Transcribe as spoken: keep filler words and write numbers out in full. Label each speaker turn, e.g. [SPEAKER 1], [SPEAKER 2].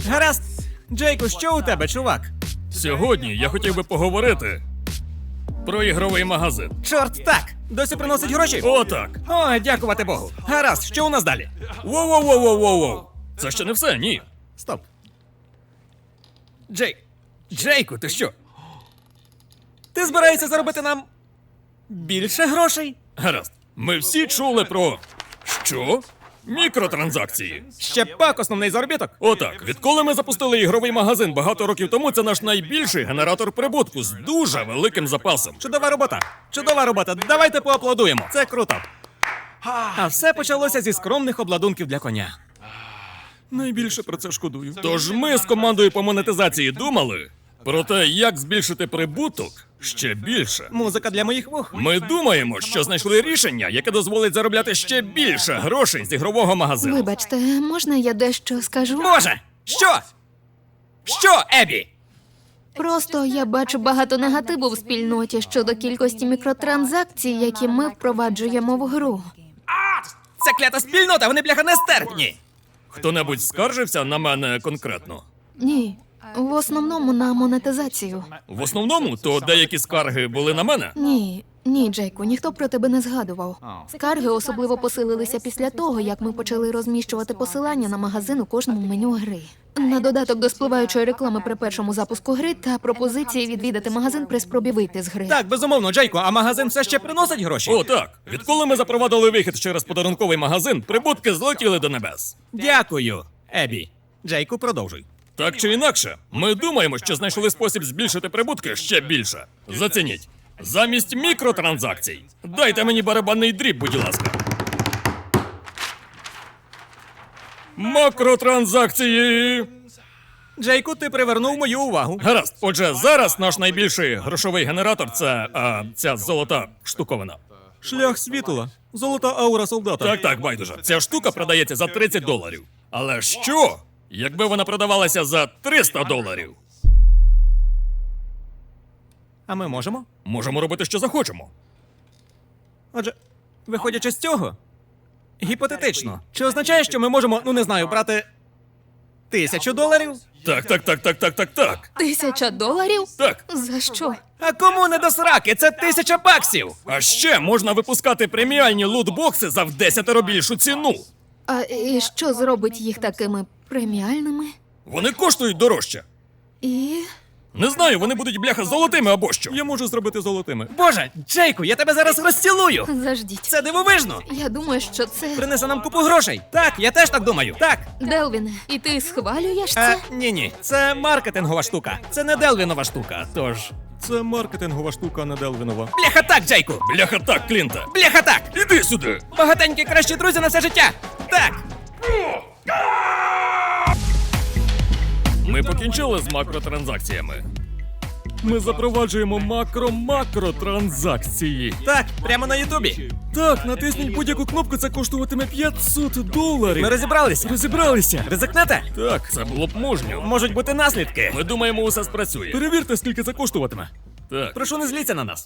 [SPEAKER 1] Гаразд. Джейку, що у тебе, чувак?
[SPEAKER 2] Сьогодні я хотів би поговорити про ігровий магазин.
[SPEAKER 1] Чорт, так. Досі приносить гроші?
[SPEAKER 2] О, так.
[SPEAKER 1] О, дякувати Богу. Гаразд, що у нас далі?
[SPEAKER 2] Воу-воу-воу-воу-воу. Це ще не все, ні.
[SPEAKER 1] Стоп. Джей... Джейку, ти що? Ти збираєшся заробити нам більше грошей?
[SPEAKER 2] Гаразд. Ми всі чули про... Що? Мікротранзакції.
[SPEAKER 1] Ще пак основний заробіток.
[SPEAKER 2] Отак, відколи ми запустили ігровий магазин багато років тому, це наш найбільший генератор прибутку з дуже великим запасом.
[SPEAKER 1] Чудова робота. Чудова робота. Давайте поаплодуємо. Це круто. А все почалося зі скромних обладунків для коня.
[SPEAKER 2] Найбільше про це шкодую. Тож ми з командою по монетизації думали про те, як збільшити прибуток ще більше.
[SPEAKER 1] Музика для моїх вух.
[SPEAKER 2] Ми думаємо, що знайшли рішення, яке дозволить заробляти ще більше грошей з ігрового магазину.
[SPEAKER 3] Вибачте, можна я дещо скажу?
[SPEAKER 1] Боже! Що? Що, Ебі?
[SPEAKER 3] Просто я бачу багато негативу в спільноті щодо кількості мікротранзакцій, які ми впроваджуємо в гру.
[SPEAKER 1] Це клята спільнота, вони бляха нестерпні.
[SPEAKER 2] Хто-небудь скаржився на мене конкретно?
[SPEAKER 3] Ні, в основному на монетизацію.
[SPEAKER 2] В основному, то деякі скарги були на мене.
[SPEAKER 3] Ні, ні, Джейку, ніхто про тебе не згадував. Скарги особливо посилилися після того, як ми почали розміщувати посилання на магазин у кожному меню гри. На додаток до спливаючої реклами при першому запуску гри та пропозиції відвідати магазин при спробі вийти з гри.
[SPEAKER 1] Так, безумовно, Джейку, а магазин все ще приносить гроші?
[SPEAKER 2] О, так. Відколи ми запровадили вихід через подарунковий магазин, прибутки злетіли до небес.
[SPEAKER 1] Дякую, Ебі. Джейку, продовжуй.
[SPEAKER 2] Так чи інакше, ми думаємо, що знайшли спосіб збільшити прибутки ще більше. Зацініть. Замість мікротранзакцій. Дайте мені барабанний дріб, будь ласка. Макротранзакції.
[SPEAKER 1] Джейку, ти привернув мою увагу.
[SPEAKER 2] Гаразд. Отже, зараз наш найбільший грошовий генератор це а, ця золота штуковина.
[SPEAKER 1] Шлях світла. Золота аура солдата.
[SPEAKER 2] Так, так, байдуже. Ця штука продається за тридцять доларів. Але що, якби вона продавалася за триста доларів?
[SPEAKER 1] А ми можемо?
[SPEAKER 2] Можемо робити, що захочемо.
[SPEAKER 1] Отже, виходячи з цього, гіпотетично, чи означає, що ми можемо, ну не знаю, брати тисячу доларів?
[SPEAKER 2] Так, так, так, так, так, так, так.
[SPEAKER 3] Тисяча доларів?
[SPEAKER 2] Так.
[SPEAKER 3] За що?
[SPEAKER 1] А кому не до сраки? Це тисяча баксів!
[SPEAKER 2] А ще можна випускати преміальні лутбокси за вдесятеро більшу ціну.
[SPEAKER 3] А і що зробить їх такими преміальними?
[SPEAKER 2] Вони коштують дорожче.
[SPEAKER 3] І...
[SPEAKER 2] Не знаю, вони будуть бляха золотими або що.
[SPEAKER 1] Я можу зробити золотими. Боже, Джейку, я тебе зараз розцілую!
[SPEAKER 3] Заждіть.
[SPEAKER 1] Це дивовижно!
[SPEAKER 3] Я думаю, що це...
[SPEAKER 1] Принесе нам купу грошей. Так, я теж так думаю. Так.
[SPEAKER 3] Делвіне, і ти схвалюєш
[SPEAKER 1] А,
[SPEAKER 3] це?
[SPEAKER 1] ні-ні, це маркетингова штука. Це не Делвінова штука, тож... Це маркетингова штука, не Делвінова. Бляха так, Джейку!
[SPEAKER 2] Бляха так, Клінта.
[SPEAKER 1] Бляха так!
[SPEAKER 2] Іди сюди.
[SPEAKER 1] Багатенькі кращі друзі на все життя! Так!
[SPEAKER 2] Ми покінчили з макротранзакціями. Ми запроваджуємо макро-макротранзакції.
[SPEAKER 1] Так, прямо на Ютубі.
[SPEAKER 2] Так, натисніть будь-яку кнопку, це коштуватиме п'ятсот доларів.
[SPEAKER 1] Ми розібралися.
[SPEAKER 2] розібралися.
[SPEAKER 1] Ризикнете?
[SPEAKER 2] Так, це було б мужньо.
[SPEAKER 1] Можуть бути наслідки.
[SPEAKER 2] Ми думаємо, усе спрацює.
[SPEAKER 1] Перевірте, скільки це коштуватиме.
[SPEAKER 2] Так.
[SPEAKER 1] Прошу, не зліться на нас.